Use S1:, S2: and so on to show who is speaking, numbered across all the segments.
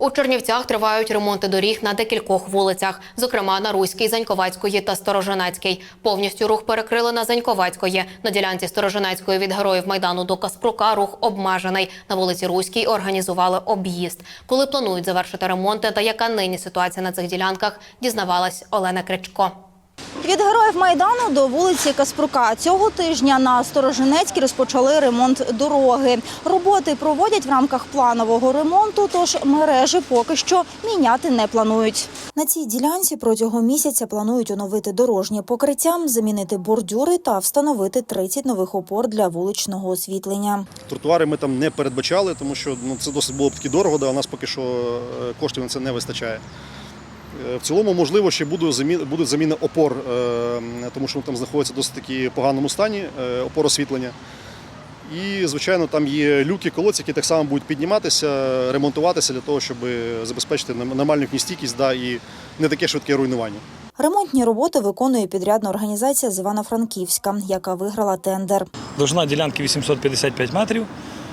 S1: У Чернівцях тривають ремонти доріг на декількох вулицях, зокрема на Руській, Заньковецької та Сторожинецькій. Повністю рух перекрили на Заньковецької. На ділянці Сторожинецької від Героїв Майдану до Каспрука рух обмежений. На вулиці Руській організували об'їзд. Коли планують завершити ремонти та яка нині ситуація на цих ділянках, дізнавалась Олена Кричко.
S2: Від Героїв Майдану до вулиці Каспрука. Цього тижня на Сторожинецькій розпочали ремонт дороги. Роботи проводять в рамках планового ремонту, тож мережі поки що міняти не планують. На цій ділянці протягом місяця планують оновити дорожнє покриття, замінити бордюри та встановити 30 нових опор для вуличного освітлення.
S3: Тротуари ми там не передбачали, тому що це досить було б таки дорого, а у нас поки що коштів на це не вистачає. В цілому, можливо, ще буде заміна опор, тому що там знаходиться в досить таки поганому стані, опор освітлення. І, звичайно, там є люки, колодці, які так само будуть підніматися, ремонтуватися для того, щоб забезпечити нормальну стійкість і не таке швидке руйнування.
S2: Ремонтні роботи виконує підрядна організація з Івано-Франківська, яка виграла тендер.
S4: Довжина ділянки 855 метрів.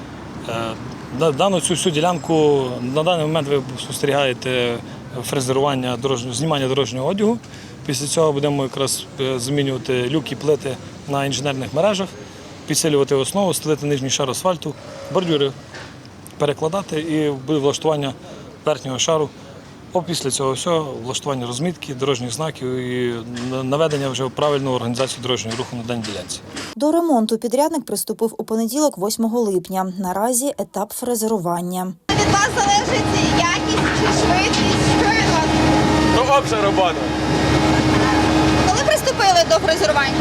S4: Дану цю всю ділянку на даний момент ви спостерігаєте фрезерування, знімання дорожнього одягу. Після цього будемо якраз замінювати люки, плити на інженерних мережах, підсилювати основу, стелити нижній шар асфальту, бордюри перекладати і буде влаштування верхнього шару. Після цього всього влаштування розмітки, дорожніх знаків і наведення вже правильної організації дорожнього руху на даній ділянці.
S2: До ремонту підрядник приступив у понеділок, 8 липня. Наразі етап фрезерування.
S5: Від вас залежить якість чи швидкість? Що від вас?
S6: То обща робота.
S5: Коли приступили до фрезерування?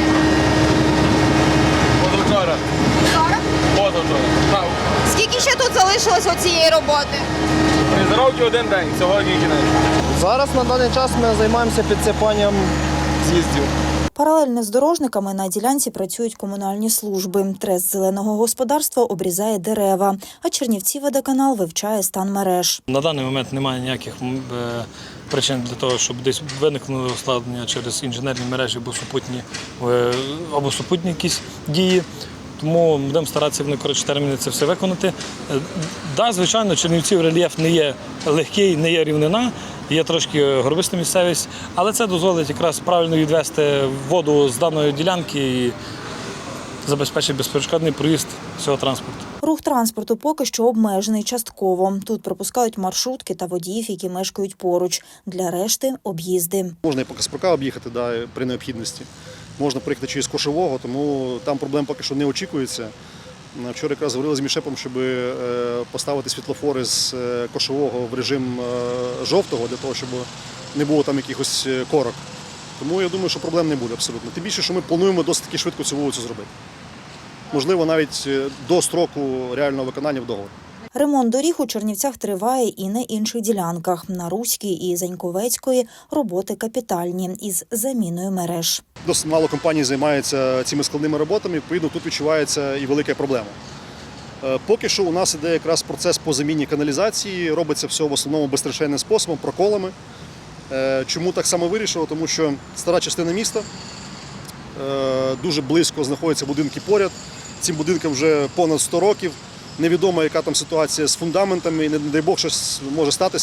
S6: Позавчора.
S5: Вчора?
S6: Позавчора.
S5: Скільки ще тут залишилось цієї роботи?
S6: Фрезеровки один день, сьогодні кінець.
S7: Зараз на даний час ми займаємося підсипанням з'їздів.
S2: Паралельно з дорожниками на ділянці працюють комунальні служби. Трест зеленого господарства обрізає дерева, а Чернівціводоканал вивчає стан мереж.
S4: На даний момент немає ніяких причин для того, щоб десь виникнуло ускладнення через інженерні мережі або супутні якісь дії. Тому будемо старатися в найкоротші терміни це все виконати. Так, звичайно, Чернівців рельєф не є легкий, не є рівнина, є трошки горбиста місцевість, але це дозволить якраз правильно відвести воду з даної ділянки і забезпечить безперешкодний проїзд всього транспорту.
S2: Рух транспорту поки що обмежений частково. Тут пропускають маршрутки та водіїв, які мешкають поруч. Для решти – об'їзди.
S3: Можна і по Каспрука об'їхати при необхідності. Можна приїхати через Кошового, тому там проблем поки що не очікується. Вчора якраз говорили з Мішепом, щоб поставити світлофори з Кошового в режим жовтого, для того, щоб не було там якихось корок. Тому я думаю, що проблем не буде абсолютно. Тим більше, що ми плануємо досить таки швидко цю вулицю зробити. Можливо, навіть до строку реального виконання в договорі.
S2: Ремонт доріг у Чернівцях триває і на інших ділянках. На Руській і Заньковецької роботи капітальні із заміною мереж.
S3: Досить мало компаній займається цими складними роботами, відповідно, тут відчувається і велика проблема. Поки що у нас іде якраз процес по заміні каналізації, робиться все в основному безстрешенним способом, проколами. Чому так само вирішило? Тому що стара частина міста, дуже близько знаходяться будинки поряд, цим будинкам вже понад 100 років. Невідомо, яка там ситуація з фундаментами, і не дай Бог, щось може статися.